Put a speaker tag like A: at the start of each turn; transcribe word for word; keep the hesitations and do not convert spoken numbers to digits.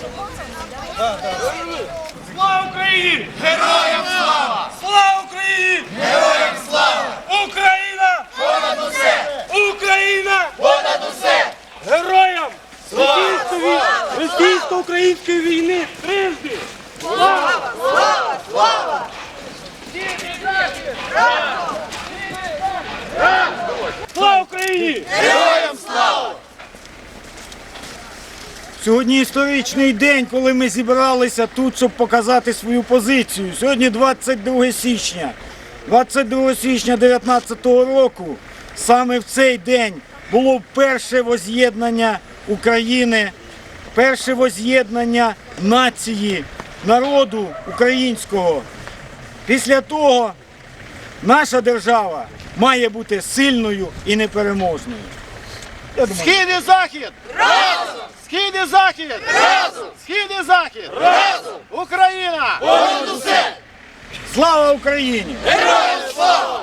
A: Слава Україні! Героям слава! Слава Україні!
B: Героям слава!
A: Україна!
B: Понад усе!
A: Україна!
B: Понад усе!
A: Героям російсько-української війни трижди! Слава!
B: Слава! Слава!
A: Слава Україні!
B: Героям слава!
C: Сьогодні історичний день, коли ми зібралися тут, щоб показати свою позицію. Сьогодні двадцять друге січня. двадцять другого січня дев'ятнадцятого року саме в цей день було перше воз'єднання України, перше воз'єднання нації, народу українського. Після того наша держава має бути сильною і непереможною. Я думаю,
A: Схід і захід!
B: Разом!
A: Схід і захід!
B: Разом!
A: Схід і захід!
B: Разом!
A: Україна!
B: Понад усе!
C: слава Україні!
B: Героям слава!